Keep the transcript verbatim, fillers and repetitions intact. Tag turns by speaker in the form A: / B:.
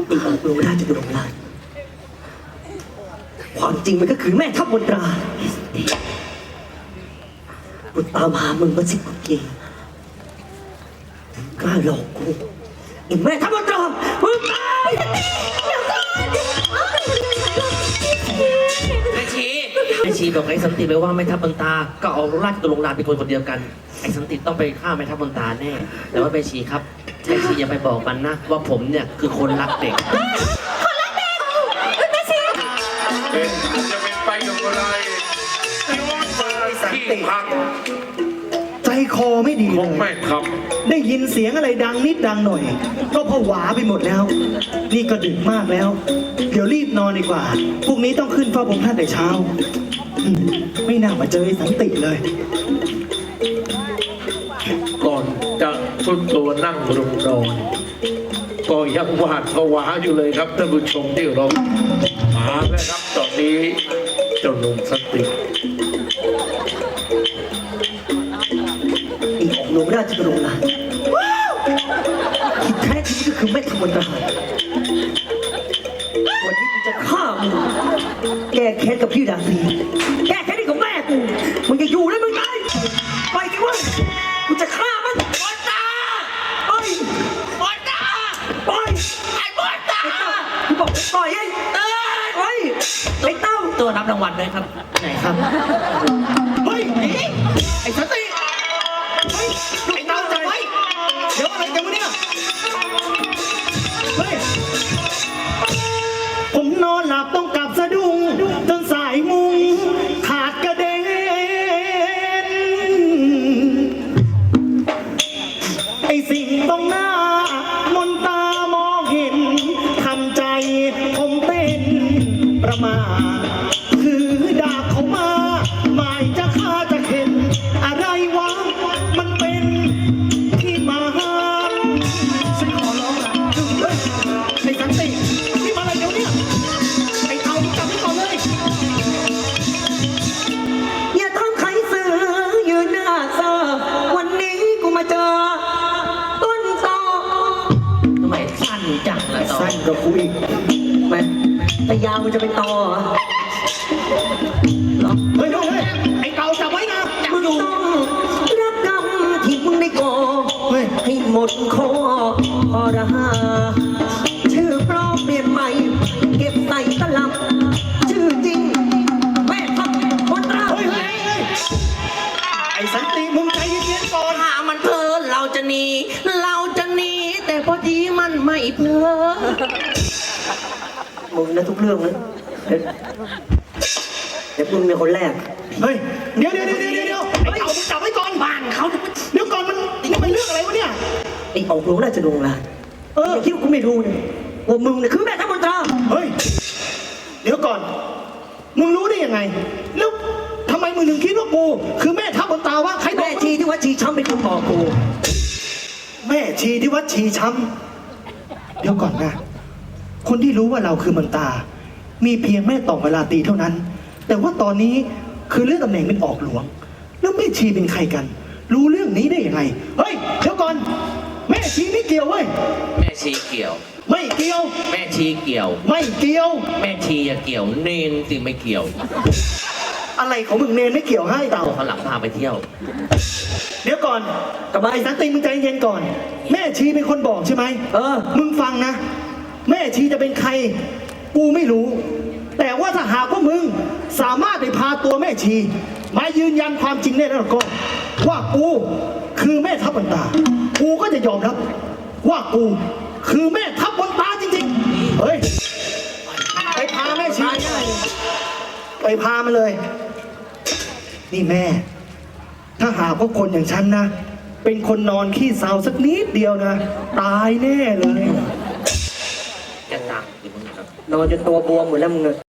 A: อีกองค์ราชบุตรราชความจริงมันก็คือแม่ทัพมนตรากูตามหามึงมาสิบกว่าปีกล้าหลอกกูอีแม่ทัพมนตรามึงตาย
B: แม่ชีแม่ชีบอกไอ้สันติไปว่าแม่ทัพมนตราก็เอาราชตุลงราชเป็นคนคนเดียวกันไอ้สันติต้องไปฆ่าแม่ทัพมนตราแน่แต่ว่าแม่ชีครับแม่ชีอย่าไปบอกมันนะว่าผมเนี่ยคือคนรักเด็ก
C: เป็นจะเป็นไปอย่างไรย้อนมาที่พัก
D: ใจคอไม่ดี
C: ข
D: เล
C: อง
D: ย
C: แม่ครับ
D: ได้ยินเสียงอะไรดังนิดดังหน่อยก็ผวาไปหมดแล้ว นี่ก็ดึกมากแล้ว เดี๋ยวรีบนอนดีกว่าพรุ่งนี้ต้องขึ้นเฝ้าพระองค์ท่านแต่เช้าอืมไม่น่ามาเจอไอ้สันติเลย
C: ก่อนจะสุดตัวนั่งลงนอนก็ยังหวาดผวาอยู่เลยครับท่านผู้ชมที่เรามาแล้วครับตอนนี้เจ้าหนุ่มสติ
A: อีกองค์ราชบุตรราชที่แท้จริงก็คือแม่ทัพมนตราวันนี้กูจะฆ่ามึงแก้แค้นกับพี่ดาฟีแก้แค้นให้กับแม่กูมึงจะอยู่แล้วมึงตายไปกันเว้ยกูจะฆ่ามันมนตราไปมนตราไปไอ้มนตรากูบอกปล่อยไอ้เอ้ยไปไอ้เต้า
B: ตัวรับรางวัลด้วยครับไหนครับ
D: เฮ้ย
B: ไอ้สันติ
D: เฮ้ยไอ้เต้าจับไว้เดี๋ยวอะไรกันวะเนี่ยเฮ้ยผมนอนหลับต้องกลับสะดุ้งจนสายมุงขาดกระเด็นไอ้สิ่งตรงหน้ามนตามองเห็นทำใจผมเต้นประมาทคือดาบเขามาหมายจะฆ่าจะเห็นอะไรวะมันเป็นที่มาฉันขอร้องละเฮ้ยไอ้สันตินี่มาอะไรเดี๋ยวนี้ไอ้เต่ามึงจับไว้ก่อนเลย
A: อย่าทำใครเสือยืนหน้าเซอวันนี้กูมาเจอต้นตอ
B: ทำไมสั้นจังล่ะตอ
D: สั้นกับกูอีก
A: แม่แต่ยาวมันจะเป็นตอเหรอเหรอ
D: เฮ้ยเฮ้ยเฮ้ยไอ้เต่าจับไว้นะ
A: มึงต้องรับกรรมที่มึงได้ก่อ
D: เฮ้ย
A: ให้หมดคอพอระหาชื่อปลอมเปลี่ยนใหม่ เก็บใส่ตลับ ชื่อจริง แม่ทัพมนตรา
D: เฮ้ยเฮ้ยเฮ้ยไอ้สันติมึงใจเย็นๆก่อน
B: ถ้ามันเพลินเราจะหนีเราจะหนีแต่พอดีมันไม่เพลิน
A: มึงนะทุกเรื่องนะเดี๋ยวเดี๋ยวมึงเป็นคนแรก
D: เฮ้ยเดี๋ยวเดี๋ยวเดี๋ยวเดี๋ยวเดี๋ยวไอ้เต่ามึงจับไว้ก่อนบ้านเขาเดี๋ยวก่อนมันมันเป็นเรื่องอะไรวะเนี่ย
A: ไอ้ออกหลวงราชดงราช
D: เออ
A: คิดว่ากูไม่รู้เนี่ยว่ามึงเนี่ยคือแม่ทัพมนตรา
D: เฮ้ยเดี๋ยวก่อนมึงรู้ได้ยังไงแล้วทำไมมึงถึงคิดว่ากูคือแม่ทัพบนตาวะใครบอ
A: แม่
D: ก
A: ชีที่วัดชีช้ำเป็นคนบอกกู
D: แม่ชีที่วัดชีช้ำเดี๋ยวก่อนนะคนที่รู้ว่าเราคือมนตา มีเพียงแม่ต่อเวลาตีเท่านั้น แต่ว่าตอนนี้คือเรื่องตำแหน่งเป็นออกหลวง แล้วแม่ชีเป็นใครกัน รู้เรื่องนี้ได้ยังไงเฮ้ยเดี๋ยวก่อนแม่ชีไม่เกี่ยวเว้ย
B: แม่ชีเกี่ยว
D: ไม่เกี่ยว
B: แม่ชีเกี่ยว
D: ไม่เกี่ยว
B: แม่ชีอย่าเกี่ยวเนนสิไม่เกี่ยว
D: อะไรของมึงเนนไม่เกี่ยวให้เต่า
B: ตัวเขาหลังพาไปเที่ยว
D: เดี๋ยวก่อนกับไอ้สันติมึงใจเย็นก่อน แม่ชีเป็นคนบอกใช่ไหม
A: เออ
D: มึงฟังนะ แม่ชีจะเป็นใคร กูไม่รู้ แต่ว่าถ้าหากว่ามึงสามารถไปพาตัวแม่ชีมายืนยันความจริงได้แล้วก็ ว่ากูคือแม่ทัพบนตา กูก็จะยอมรับ ว่ากูคือแม่ทัพบนตาจริงๆ เฮ้ย ไปพาแม่ชีไปพามาเลย นี่แม่ ถ้าหากว่าคนอย่างฉันนะ เป็นคนนอนขี้เศร้าสักนิดเดียวนะ ตายแน่เลย
B: จะตามอยู่มึงครับ
A: นอนจนตัวบวมหมดแล้วมึงเนี่ย